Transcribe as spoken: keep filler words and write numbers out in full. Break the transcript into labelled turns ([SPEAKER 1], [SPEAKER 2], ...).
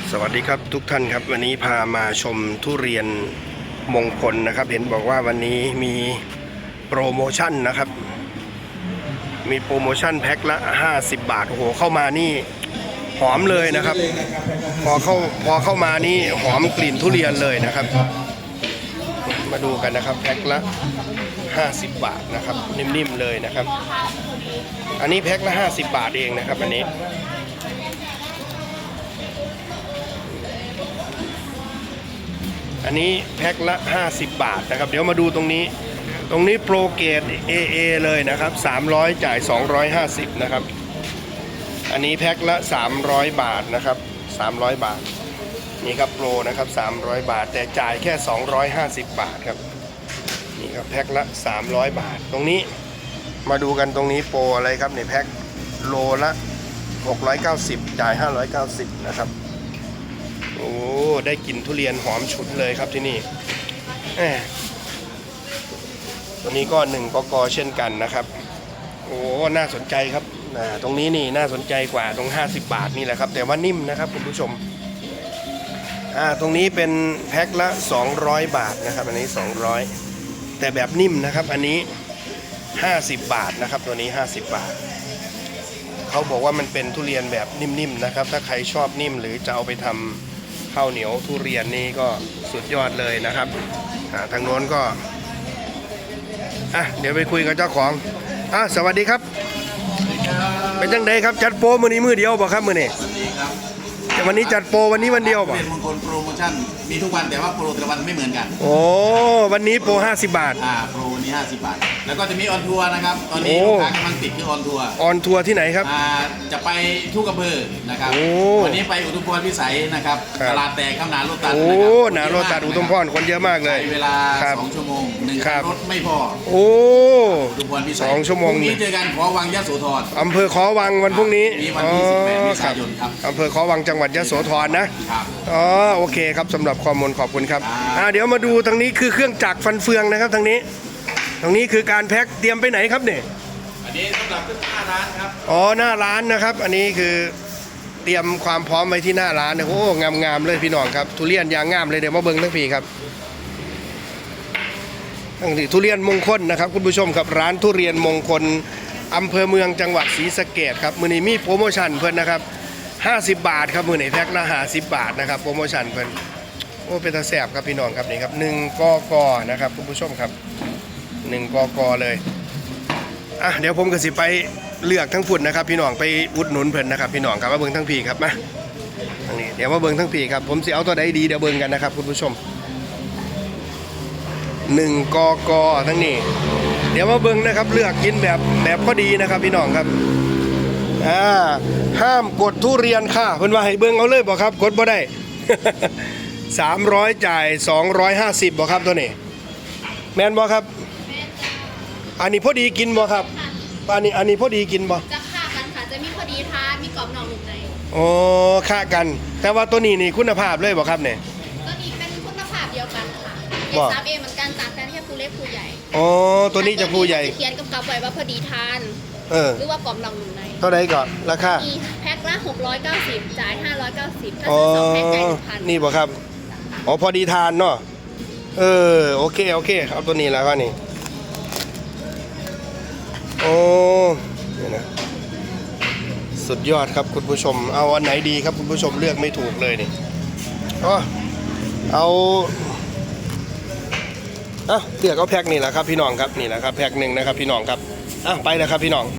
[SPEAKER 1] สวัสดีครับทุกท่านครับวันนี้พามาชมทุเรียนมงคลนะครับเห็นบอกว่าวันนี้มีโปรโมชั่นนะครับมีโปรโมชั่นแพ็คละห้าสิบบาทโอ้โหเข้ามานี่หอมเลยนะครับพอเข้าพอเข้ามานี่หอมกลิ่นทุเรียนเลยนะครับมาดูกันนะครับแพ็คละห้าสิบบาทนะครับนิ่มๆเลยนะครับอันนี้แพ็คละห้าสิบบาทเองนะครับอันนี้อันนี้แพ็คละห้าสิบบาทนะครับเดี๋ยวมาดูตรงนี้ตรงนี้โปรเกรด เอ เอ เลยนะครับสามร้อยจ่ายสองร้อยห้าสิบนะครับอันนี้แพ็คละสามร้อยบาทนะครับสามร้อยบาทนี่ครับโปรนะครับสามร้อยบาทแต่จ่ายแค่สองร้อยห้าสิบบาทครับนี่ครับแพ็คละสามร้อยบาทตรงนี้มาดูกันตรงนี้โปรอะไรครับในแพ็คโลละหกร้อยเก้าสิบจ่ายห้าร้อยเก้าสิบนะครับโอ้ได้กลิ่นทุเรียนหอมฉุนเลยครับที่นี่ตัวนี้ก็หนึ่งกกเช่นกันนะครับโอ้น่าสนใจครับตรงนี้นี่น่าสนใจกว่าตรงห้าสิบบาทนี่แหละครับแต่ว่านิ่มนะครับคุณผู้ชมอ่าตรงนี้เป็นแพ็คละสองร้อยบาทนะครับอันนี้สองร้อยแต่แบบนิ่มนะครับอันนี้ห้าสิบบาทนะครับตัวนี้ห้าสิบบาทเขาบอกว่ามันเป็นทุเรียนแบบนิ่มๆนะครับถ้าใครชอบนิ่มหรือจะเอาไปทำข้าวเหนียวทุเรียนนี่ก็สุดยอดเลยนะครับทางโน้นก็อ่ะเดี๋ยวไปคุยกับเจ้าของอ่ะสวัสดีครับเป็นจังไดครับจัดโปรมื้อนี้มื้อเดียวบ่ครับมื้อนี้แต่วันนี้จัดโปรวันนี้วันเดียวบ่
[SPEAKER 2] เป็นมงคลโปรโมชั่นมีทุกวันแต่ว่าโปรแต่ละวันไม่เหมือนกัน
[SPEAKER 1] โอ้วันนี้โปรห้าสิบบาท
[SPEAKER 2] อ่าโปรวันนี้ห้าสิบบาทแล้วก็จะมีออนทัวร์นะครับตอนนี้ลูกค้ากำลังติดคือออนทัวร์
[SPEAKER 1] ออนทัวร์ที่ไหนครับ
[SPEAKER 2] อ่าจะไปทุกอำเภอนะครับวันนี้ไปอุทุมพรพิสัยนะครับตลาดแตกข้ามนาโรตัส
[SPEAKER 1] โอ้นาโรตัสอุทุมพรคนเยอะมากเลย
[SPEAKER 2] เวลาสองชั่วโมงหนึ่งรถไม่พอ
[SPEAKER 1] โอ้
[SPEAKER 2] อุทุมพรพิสัย
[SPEAKER 1] สองชั่วโมง
[SPEAKER 2] พรุ่งนี้เจอกันขอวังยะโสธร
[SPEAKER 1] อำเภอขอวังวันพรุ่งนี้
[SPEAKER 2] วันที่สิบแปดเมษายนครับ
[SPEAKER 1] อำเภอขอวังจังหวัดยะโสธรนะครับอ๋อโอเคครับสำหรับข้อมูลขอบคุณครับอ่าเดี๋ยวมาดูทางนี้คือเครื่องจักรฟันเฟืองนะครับทางนี้ตรงนี้คือการแพ็คเตรียมไปไหนครับเนี่ย
[SPEAKER 2] อันนี้สำหรับขึ้นหน้าร้านครับ
[SPEAKER 1] อ๋อหน้าร้านนะครับอันนี้คือเตรียมความพร้อมไว้ที่หน้าร้านนะโอ้งามๆเลยพี่น้องครับทุเรียนยางงามเลยเดี๋ยวมาเบิ้งทั้งปีครับทั้งที่ทุเรียนมงคลนะครับคุณผู้ชมครับร้านทุเรียนมงคลอำเภอเมืองจังหวัดศรีสะเกษครับมื้อนี้มีโปรโมชั่นเพิ่นนะครับห้าสิบบาทครับมื้อนี้แพ็คละห้าสิบบาทนะครับโปรโมชั่นเพิ่นโอ้เป็นตาแซ่บครับพี่น้องครับนี่ครับหนึ่งกกนะครับคุณผู้ชมครับหนึ่งกกเลยอ่ะเดี๋ยวผมก็สิไปเลือกทั้งฝุ่นนะครับพี่น้องไปอุดหนุนเพิ่นนะครับพี่น้องครับมาเบิ่งทั้งพีครับมาทางนี้เดี๋ยวมาเบิ่งทั้งพีครับผมสิเอาตัวใดดีเดี๋ยวเบิ่งกันนะครับคุณผู้ชมหนึ่งกกทั้งนี้เดี๋ยวมาเบิ่งนะครับเลือกกินแบบแบบพอดีนะครับพี่น้องครับอ่าห้ามกดทุเรียนค่ะเพิ่นว่าให้เบิ่งเอาเลยบ่ครับกดบ่ได้สามร้อยจ่ายสองร้อยห้าสิบบ่ครับตัวนี้แม่นบ่ครับอันนี้พอดีกินบ่ครับอันนี้อันนี้พอดีกินบ่
[SPEAKER 3] จะฆ่ากันค่ะจะมีพอดีทานมีกรอบนอกนุ่มใน
[SPEAKER 1] อ๋อฆ่ากันแต่ว่าตัวนี้นี่คุณภาพเลยบ่ครับเนี่ย
[SPEAKER 3] ตัวนี้เป็นคุณภาพเดียวกันค่ะเอสซับเอเหมือนกันต่างกันแค่ผู้เล็กผู้ใหญ่
[SPEAKER 1] อ๋อตัวนี้จะผู้ใหญ่
[SPEAKER 3] เขียนกำกับไว้ว่าพอดีทาน
[SPEAKER 1] เออ
[SPEAKER 3] หรือว่ากรอบนอกนุ่มใน
[SPEAKER 1] เท่าไหร่ก่อนราคา
[SPEAKER 3] แพ็คละหกร้อยเก้าสิบจ่ายห้าร้อยเก้าสิบถ้าซื้อสองแพ็คจ่ายหนึ่งพัน
[SPEAKER 1] นี่บ่ครับอ๋อพอดีทานเนาะเออโอเคโอเคเอาตัวนี้แล้วก็นี่โอ้เนี่ยนะสุดยอดครับคุณผู้ชมเอาอันไหนดีครับคุณผู้ชมเลือกไม่ถูกเลยนี่อ๋อเอาอ่ะเลือกเอาแพ็คนี่แหละครับพี่น้องครับนี่แหละครับแพ็คหนึ่งนะครับพี่น้องครับอ่ะไปแล้วครับพี่น้อง